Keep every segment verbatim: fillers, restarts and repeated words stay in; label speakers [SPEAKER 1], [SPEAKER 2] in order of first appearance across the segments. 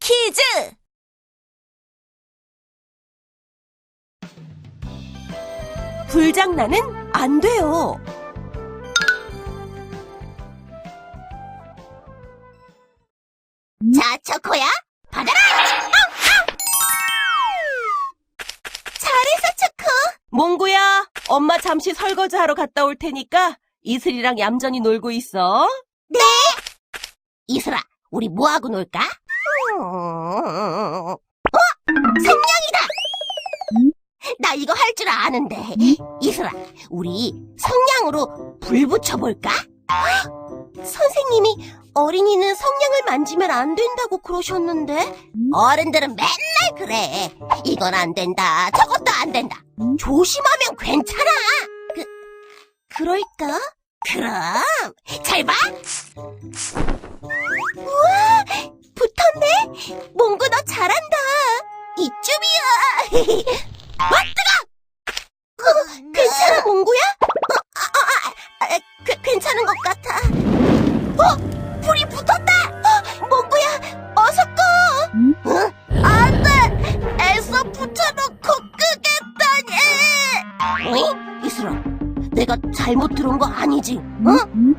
[SPEAKER 1] 퀴즈! 불장난은 안 돼요.
[SPEAKER 2] 자, 초코야, 받아라! 잘했어, 초코.
[SPEAKER 1] 몽구야, 엄마 잠시 설거지하러 갔다 올 테니까 이슬이랑 얌전히 놀고 있어.
[SPEAKER 2] 네. 이슬아, 우리 뭐하고 놀까? 어? 성냥이다! 나 이거 할 줄 아는데. 이슬아, 우리 성냥으로 불 붙여볼까? 선생님이 어린이는 성냥을 만지면 안 된다고 그러셨는데? 어른들은 맨날 그래. 이건 안 된다, 저것도 안 된다. 조심하면 괜찮아. 그, 그럴까? 그럼, 잘 봐! 우와, 붙었네? 몽구 너 잘한다. 이쯤이야. 아, 뜨거! 어, 괜찮아, 몽구야? 어, 아, 아, 아, 아, 그, 괜찮은 것 같아. 어, 불이 붙었다! 어, 몽구야, 어서 꺼! 어? 안 돼! 애써 붙여놓고 끄겠다니! 어이? 이슬아, 내가 잘못 들은 거 아니지? 어?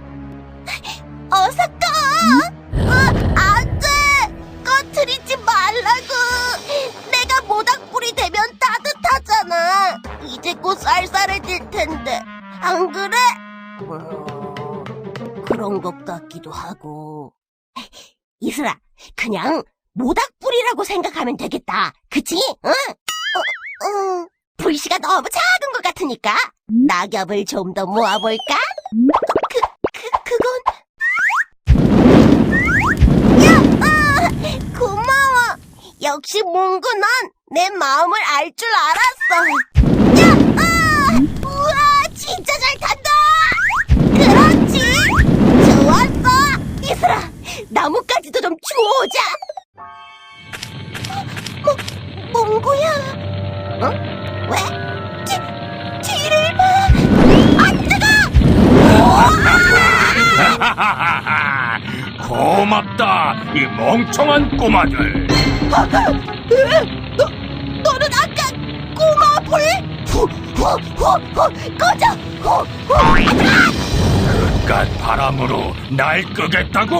[SPEAKER 2] 어서 꺼! 어, 안 돼! 꺼트리지 말라고! 내가 모닥불이 되면 따뜻하잖아! 이제 곧 쌀쌀해질 텐데, 안 그래? 음, 그런 것 같기도 하고. 이슬아, 그냥 모닥불이라고 생각하면 되겠다. 그치? 응? 어, 어, 불씨가 너무 작은 것 같으니까 낙엽을 좀 더 모아볼까? 그, 그, 그건... 야! 아, 고마워! 역시 몽구 넌 내 마음을 알 줄 알았어! 야! 아! 우와! 진짜 잘 탄다! 그렇지! 좋았어! 이슬아! 나뭇가지도 좀 주워오자! 뭐, 몽구야! 어? 왜? 뒤, 뒤를 봐! 아, 뜨거!
[SPEAKER 3] 고맙다, 이 멍청한 꼬마들.
[SPEAKER 2] 너, 너는 아까 꼬마 불? 후, 후, 후, 후, 꺼져! 후, 후, 아, 뜨거!
[SPEAKER 3] 그깟 바람으로 날 끄겠다고?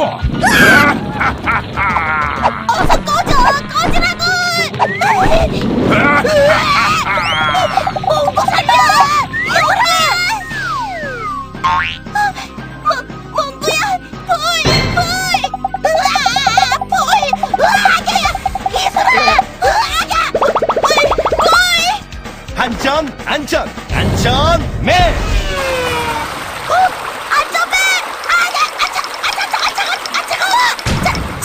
[SPEAKER 2] 어서 꺼져! 꺼지라고! 몽구 살려! 요라! 몽, 몽구야! 불! 불! 으아! 불! 으아! 이슬아! 으아! 불! 불!
[SPEAKER 4] 안전, 안전, 안전맨!
[SPEAKER 2] 어? 안전벨! 아, 야! 아, 차, 아, 차, 아, 차가워! 아, 차가워! 차,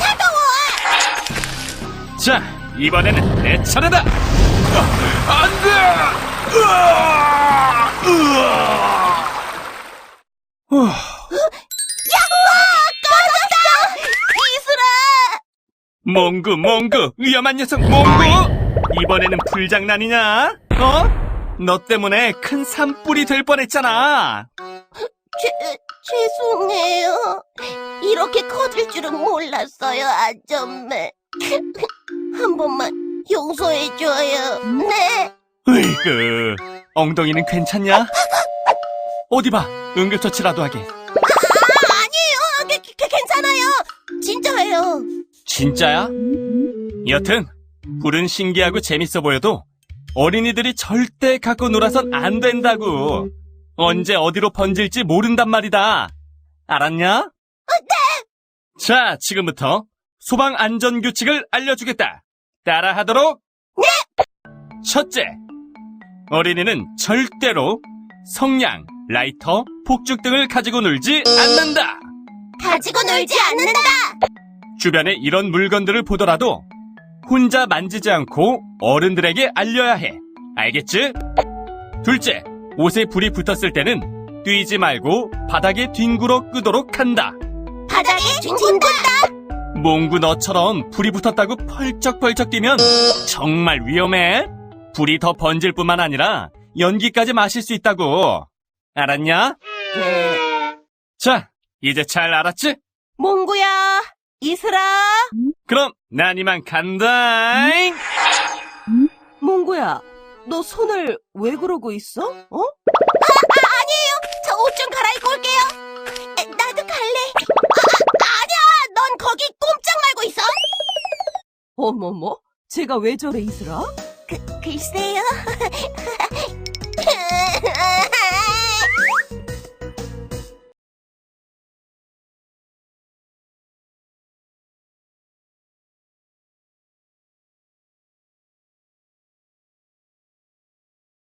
[SPEAKER 2] 차가워!
[SPEAKER 3] 자, 이번에는 내 차례다. 어, 안 돼! 으아! 으아! 후,
[SPEAKER 2] 야호와! 꺼졌어! 이슬아!
[SPEAKER 3] 몽구, 몽구, 위험한 녀석, 몽구! 이번에는 불장난이냐? 어? 너 때문에 큰 산불이 될 뻔했잖아.
[SPEAKER 2] 죄, 죄송해요. 이렇게 커질 줄은 몰랐어요, 안전벨. 한 번만 용서해줘요. 네.
[SPEAKER 3] 으이그, 엉덩이는 괜찮냐? 어디 봐, 응급처치라도 하게.
[SPEAKER 2] 아, 아니에요. 게, 게, 괜찮아요. 진짜예요.
[SPEAKER 3] 진짜야? 여튼 불은 신기하고 재밌어 보여도 어린이들이 절대 갖고 놀아선 안 된다고. 언제 어디로 번질지 모른단 말이다. 알았냐? 네. 자, 지금부터 소방 안전 규칙을 알려주겠다. 따라하도록. 네. 첫째, 어린이는 절대로 성냥, 라이터, 폭죽 등을 가지고 놀지 않는다.
[SPEAKER 2] 가지고 놀지 않는다.
[SPEAKER 3] 주변에 이런 물건들을 보더라도 혼자 만지지 않고 어른들에게 알려야 해. 알겠지? 둘째, 옷에 불이 붙었을 때는 뛰지 말고 바닥에 뒹굴어 끄도록 한다.
[SPEAKER 2] 바닥에 뒹군다.
[SPEAKER 3] 몽구 너처럼 불이 붙었다고 펄쩍펄쩍 뛰면 정말 위험해. 불이 더 번질 뿐만 아니라 연기까지 마실 수 있다고. 알았냐?
[SPEAKER 2] 네.
[SPEAKER 3] 자, 이제 잘 알았지?
[SPEAKER 1] 몽구야, 이슬아.
[SPEAKER 3] 그럼 난 이만 간다잉.
[SPEAKER 1] 몽구야, 너 손을 왜 그러고 있어? 어?
[SPEAKER 2] 저 옷 좀 갈아입고 올게요. 에, 나도 갈래. 아, 아니야, 넌 거기 꼼짝 말고 있어.
[SPEAKER 1] 어머머, 제가 왜 저래, 이슬아?
[SPEAKER 2] 그, 글쎄요.